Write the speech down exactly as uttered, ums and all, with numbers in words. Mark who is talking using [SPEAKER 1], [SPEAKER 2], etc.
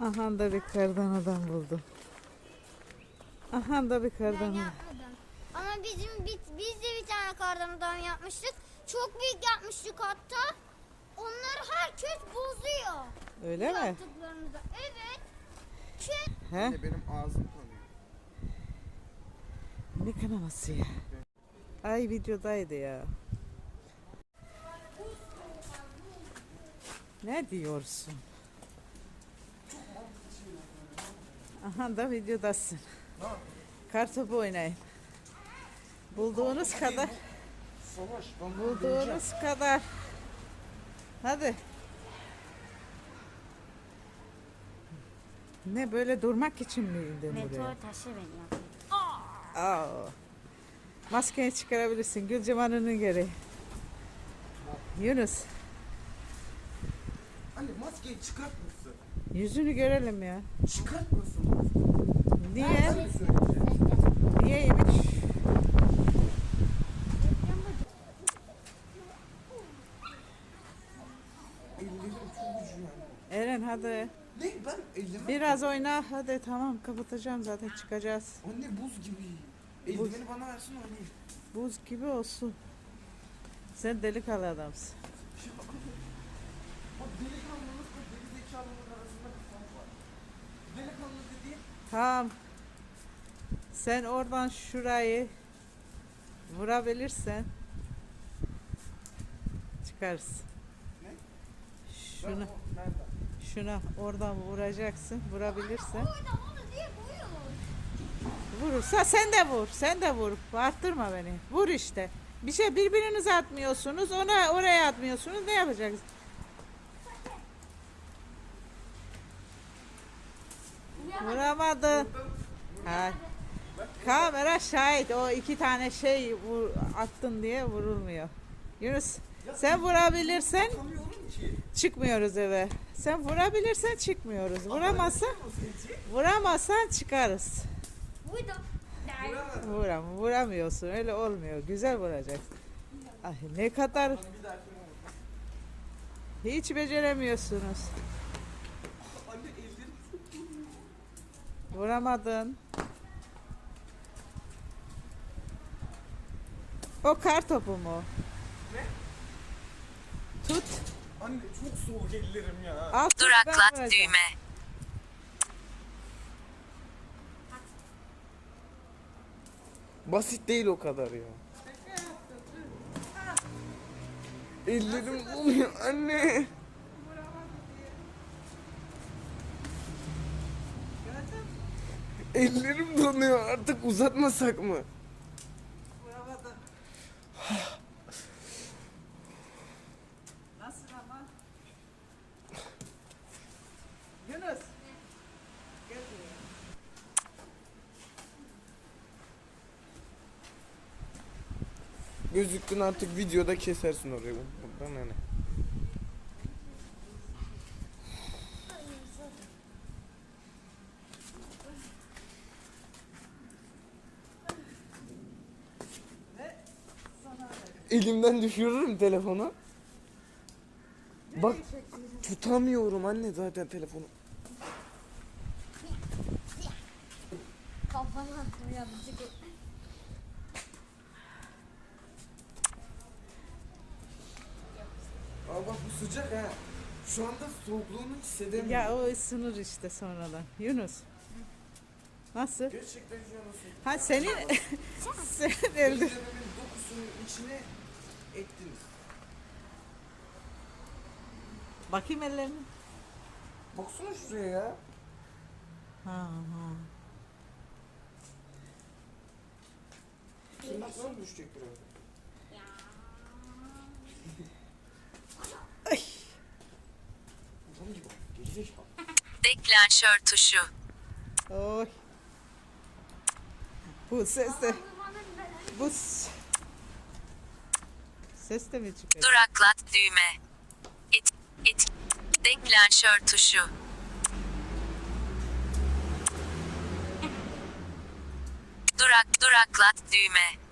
[SPEAKER 1] Aha da bir kardan adam buldum. Aha da bir kardan
[SPEAKER 2] Ben
[SPEAKER 1] adam.
[SPEAKER 2] yapmadım. Ama bizim biz, biz de bir tane kardan adam yapmıştık. Çok büyük yapmıştık hatta. Onları herkes bozuyor.
[SPEAKER 1] Öyle mi?
[SPEAKER 2] Yaptıklarımızda. Evet. Çünkü
[SPEAKER 1] He?
[SPEAKER 3] Anne benim ağzım kanıyor.
[SPEAKER 1] Ne kanaması ya? Ay videodaydı ya. Ne diyorsun? Aha da videodasın. Kartopu oynayın. Bulduğunuz kadar.
[SPEAKER 3] Savaş, ben bunu göreceğim.
[SPEAKER 1] Bulduğunuz kadar. Hadi. Ne böyle durmak için mi indin buraya?
[SPEAKER 2] meteor taşı beni
[SPEAKER 1] Aa. Maskeni çıkarabilirsin. Gülceman'ın gereği. Yunus.
[SPEAKER 3] Anne maskeyi çıkartmasın.
[SPEAKER 1] Yüzünü görelim ya.
[SPEAKER 3] Çıkartmasın.
[SPEAKER 1] Niye?
[SPEAKER 3] Ben mi söyleyeceğim?
[SPEAKER 1] Niyeymiş?
[SPEAKER 3] Ellerim çok ucuyor.
[SPEAKER 1] Eren hadi.
[SPEAKER 3] Ne? Ben ellerime...
[SPEAKER 1] Biraz oyna. Hadi tamam kapatacağım zaten çıkacağız.
[SPEAKER 3] Anne buz gibi. Eldiveni bana versin oynayayım.
[SPEAKER 1] Buz gibi olsun. Sen delikanlı adamsın.
[SPEAKER 3] Bak delikanlılıkla gerizekalılık arasında bir fark var. Delikanlı dediğin
[SPEAKER 1] Tamam. Sen oradan şurayı vurabilirsen çıkarsın.
[SPEAKER 3] ne?
[SPEAKER 1] Şuna,
[SPEAKER 3] Ben o- nereden?
[SPEAKER 1] şuna oradan vuracaksın. Vurabilirsen.
[SPEAKER 2] Orada onu diye koyuyor.
[SPEAKER 1] Vurursa sen de vur. Sen de vur. Arttırma beni. Vur işte. Bir şey birbirinize atmıyorsunuz. Ona oraya atmıyorsunuz. Ne yapacaksınız? Vuramadın. Ha. Kamera şahit. O iki tane şey vur, attın diye vurulmuyor. Yunus sen vurabilirsen
[SPEAKER 3] Tanıyorum ki.
[SPEAKER 1] çıkmıyoruz eve. Sen vurabilirsen çıkmıyoruz. Vuramazsan vuramazsan çıkarız.
[SPEAKER 2] Burada.
[SPEAKER 3] Vuramadım.
[SPEAKER 1] Vuram, vuramıyorsun. Öyle olmuyor. Güzel vuracaksın. Ay ne kadar
[SPEAKER 3] Bir dahaki
[SPEAKER 1] hiç beceremiyorsunuz.
[SPEAKER 3] Anne ellerim çok
[SPEAKER 1] Vuramadın. O kar topu mu?
[SPEAKER 3] Ne?
[SPEAKER 1] Tut.
[SPEAKER 3] Anne çok soğuk ellerim ya.
[SPEAKER 1] Al tut, ben
[SPEAKER 4] Duraklat
[SPEAKER 1] vuracağım.
[SPEAKER 4] düğme.
[SPEAKER 3] Basit değil o kadar ya. Ellerim donuyor anne. Ellerim donuyor artık uzatmasak mı?
[SPEAKER 1] Vuramadın. Nasıl ama? Yunus. Gel buraya.
[SPEAKER 3] Gözüktün artık videoda kesersin orayı. Buradan hani. Elimden düşürürüm telefonu. Bak tutamıyorum anne zaten telefonu.
[SPEAKER 2] Kafana attım yanlışlıkla.
[SPEAKER 3] Aa bak bu sıcak ha. Şu anda soğukluğunu hissedemiyorum.
[SPEAKER 1] Ya o ısınır işte sonradan. Yunus. Nasıl?
[SPEAKER 3] Gerçekten şu an soğuk.
[SPEAKER 1] Ha senin senin elde.
[SPEAKER 3] Ellerimin dokusunun içine ettiniz.
[SPEAKER 1] Bakayım ellerini.
[SPEAKER 3] Baksana şuraya ya.
[SPEAKER 1] Ha ha.
[SPEAKER 3] Tırnaklarım düşecek biraz.
[SPEAKER 1] Ay.
[SPEAKER 3] Adam gibi. Gerizekalı.
[SPEAKER 4] Deklanşör tuşu.
[SPEAKER 1] Oy. Bu ses de bu s- ses de mi çıkıyor?
[SPEAKER 4] Duraklat düğme. Et, et, deklanşör tuşu. Durak, duraklat düğme.